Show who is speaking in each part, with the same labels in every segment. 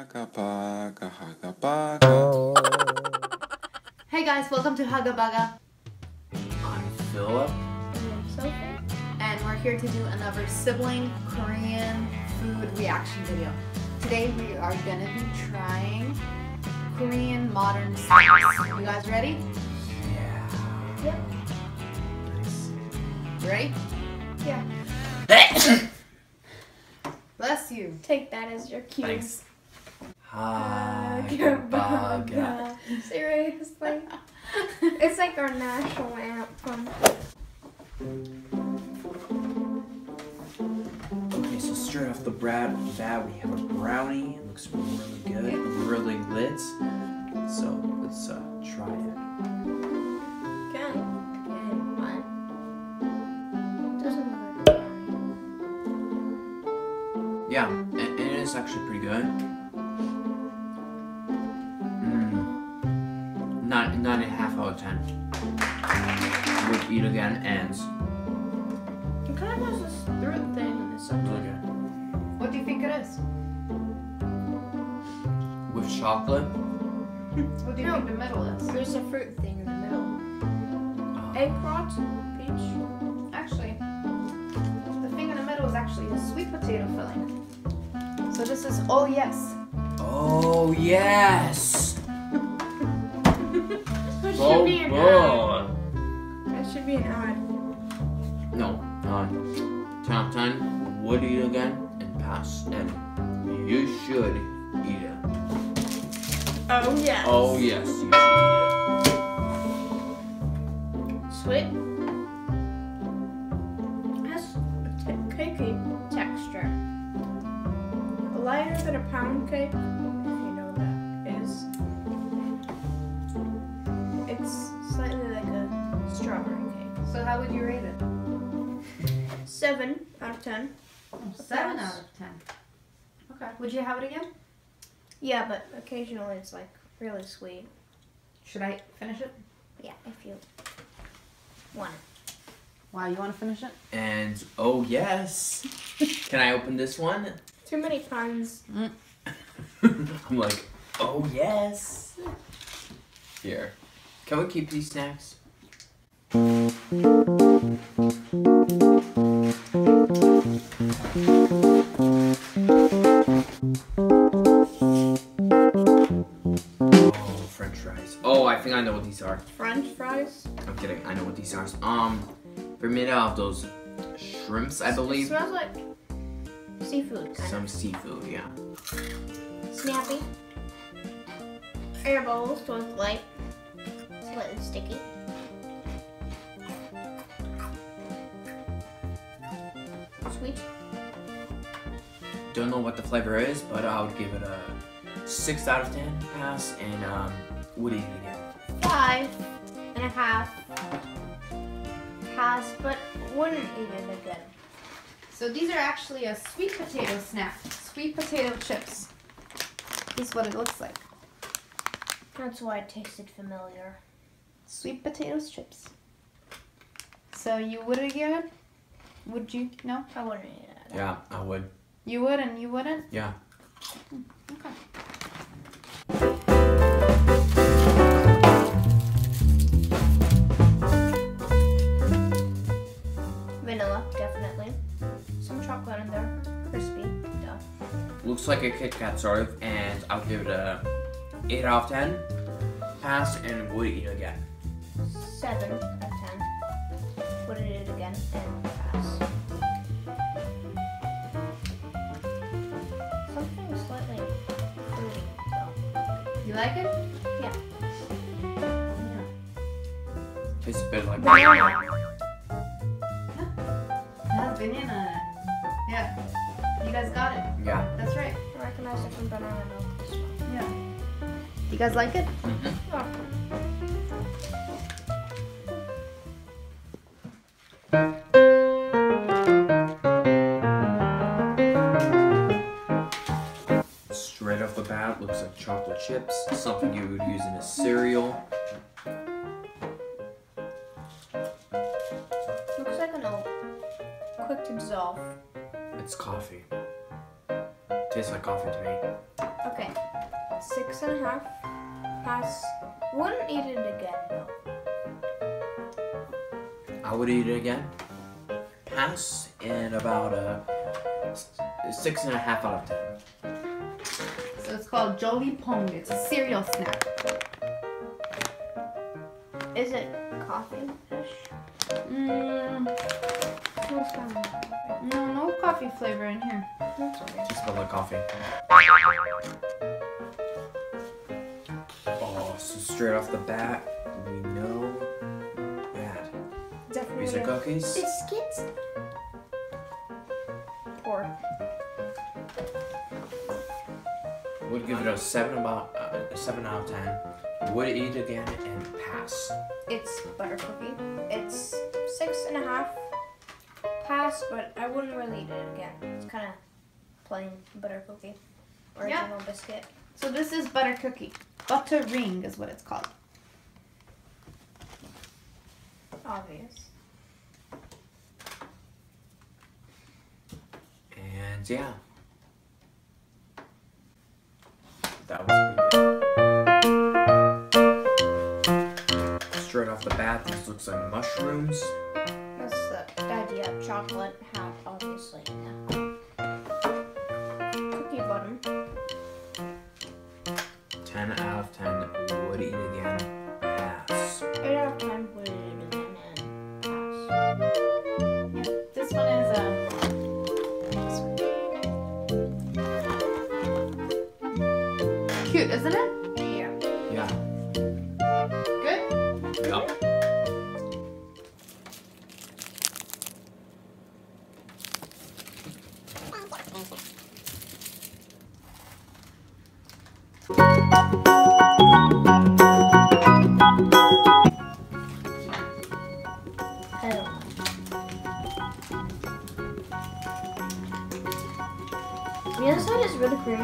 Speaker 1: Baga, haga, baga.
Speaker 2: Hey guys, welcome to Haga Baga.
Speaker 3: I'm Philip.
Speaker 4: And I'm Sophie.
Speaker 2: And we're here to do another sibling Korean food reaction video. Today we are gonna be trying Korean modern snacks. You guys ready?
Speaker 3: Yeah.
Speaker 4: Yep.
Speaker 3: Nice.
Speaker 2: Ready?
Speaker 4: Yeah.
Speaker 2: Bless you.
Speaker 4: Take that as your cue.
Speaker 3: Thanks.
Speaker 4: Haga
Speaker 3: Baga.
Speaker 4: Baga. Seriously? It's like our national anthem.
Speaker 3: Okay, so straight off the bat, we have a brownie. It looks really good, really lit. So let's try it.
Speaker 4: Okay. What? Doesn't look like brownie.
Speaker 3: Yeah, it is actually pretty good. Nine and a half out of 10. Would eat again, and
Speaker 4: It kind of has this throat thing in the center.
Speaker 3: really good.
Speaker 2: What do you think it is?
Speaker 3: With chocolate.
Speaker 2: What do you
Speaker 4: No.
Speaker 2: think the middle is?
Speaker 4: There's a fruit thing in the middle. Apricot? Peach?
Speaker 2: Actually, the thing in the middle is actually a sweet potato filling. So this is oh yes.
Speaker 3: Oh yes!
Speaker 4: That should be an ad.
Speaker 3: good.
Speaker 4: That should be an ad.
Speaker 3: No, 10 out of 10, would eat again and pass, and you should eat it.
Speaker 4: Oh, yes.
Speaker 3: Oh yes, you should
Speaker 4: Sweet. It has a cakey texture. Lighter than a pound cake, if you know what that is. It's slightly like a strawberry cake.
Speaker 2: So how would you rate it?
Speaker 4: 7 out of 10.
Speaker 2: 7 out of 10. Okay. Would you have it again?
Speaker 4: Yeah, but occasionally it's like really sweet.
Speaker 2: Should I finish it?
Speaker 4: Yeah, if you want it.
Speaker 2: Wow, you want to finish it?
Speaker 3: eat. And oh yes, can I open this one?
Speaker 4: Too many puns.
Speaker 3: I'm like, oh yes. Here, can we keep these snacks? Oh, French fries. Oh, I think I know what these are.
Speaker 4: French fries.
Speaker 3: I'm kidding. I know what these are. They're made out of those shrimps, I
Speaker 4: It
Speaker 3: believe.
Speaker 4: smells like seafood. Kind
Speaker 3: Some seafood, yeah.
Speaker 4: of. Snappy. Air bowls, so it's light. Slightly sticky. Sweet.
Speaker 3: Don't know what the flavor is, but I would give it a 6 out of 10 pass, and would eat it again.
Speaker 4: 5.5 pass, but wouldn't eat it again.
Speaker 2: So these are actually a sweet potato snack. Sweet potato chips. This is what it looks like.
Speaker 4: That's why it tasted familiar.
Speaker 2: Sweet potato chips. So you would again? Would you? No?
Speaker 4: I wouldn't eat it.
Speaker 3: Yeah, I would.
Speaker 2: You would and you wouldn't?
Speaker 3: Yeah.
Speaker 2: Okay.
Speaker 4: Vanilla, definitely. Some chocolate in there. Crispy. Duh.
Speaker 3: Looks like a Kit Kat sort of, and I'll give it a 8 out of 10 pass, and would eat again.
Speaker 4: 7 out of 10. Would eat it again and pass. Something slightly fruity, though.
Speaker 2: You like it?
Speaker 4: Yeah.
Speaker 3: Tastes a bit like
Speaker 4: Banana.
Speaker 2: It has banana in it. Yeah. You guys got it.
Speaker 3: Yeah.
Speaker 2: That's right.
Speaker 4: I recognize it from banana milk. This one.
Speaker 2: Yeah. You guys like it?
Speaker 3: Mm-hmm.
Speaker 4: Oh.
Speaker 3: Straight off the bat, looks like chocolate chips, something you would use in a cereal.
Speaker 4: Looks like an old quick to dissolve.
Speaker 3: It's coffee. Tastes like coffee to me.
Speaker 4: Okay. 6.5. Pass. Wouldn't eat it again though.
Speaker 3: I would eat it again. Pass in about a 6.5 out of 10.
Speaker 2: So it's called Jolly Pong. It's a cereal snack.
Speaker 4: Is it coffee fish? Smells kind of like coffee.
Speaker 2: No coffee flavor in here.
Speaker 4: That's weird.
Speaker 3: Just smell like coffee. Oh, so straight off the bat, we know that
Speaker 4: Definitely.
Speaker 3: these are cookies.
Speaker 4: Biscuits. Poor.
Speaker 3: Would give it a 7 out of 10. Would eat again and pass.
Speaker 4: It's butter cookie. It's 6.5. Pass, but I wouldn't really eat it again. It's kind of plain butter cookie. Original biscuit.
Speaker 2: So this is butter cookie. Butter ring is what it's called.
Speaker 4: Obvious.
Speaker 3: And yeah. That was pretty good. Straight off the bat, this looks like mushrooms.
Speaker 4: That's the idea of chocolate hat, obviously. Cookie bottom.
Speaker 3: 10 out of 10. Would eat again. Pass.
Speaker 4: 8 out of 10 would eat it again and pass.
Speaker 2: This one is cute, isn't it?
Speaker 4: Yeah.
Speaker 3: Yeah.
Speaker 2: Good?
Speaker 3: Yup.
Speaker 4: I don't know. The other side is really creamy.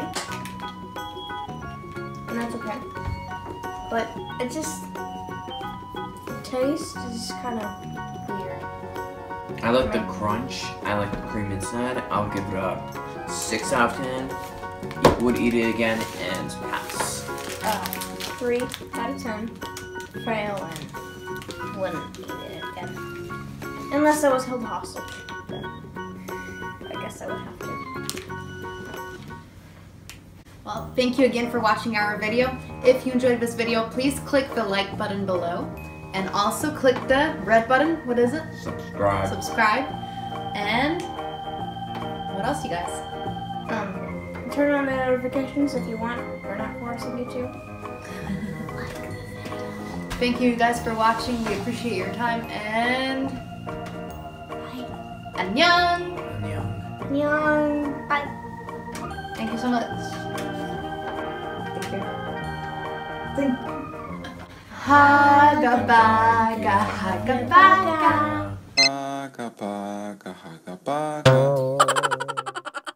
Speaker 4: And that's okay. But it just, the taste is kind of weird.
Speaker 3: I like the crunch. I like the cream inside. I'll give it a 6 out of 10. Would eat it again and pass.
Speaker 4: 3 out of 10. Fail and wouldn't eat it again. Unless I was held hostage. Then I guess I would have to.
Speaker 2: Well, thank you again for watching our video. If you enjoyed this video, please click the like button below. And also click the red button. What is it?
Speaker 3: Subscribe.
Speaker 2: Subscribe. And what else, you guys?
Speaker 4: Turn on the notifications if you want. We're not forcing you to.
Speaker 2: Thank you guys for watching. We appreciate your time. And
Speaker 4: Bye.
Speaker 2: annyeong.
Speaker 4: Annyeong. Bye.
Speaker 2: Thank you so much.
Speaker 4: Thank you.
Speaker 2: Haga baga, haga baga.
Speaker 1: Paga, paga, haga, paga.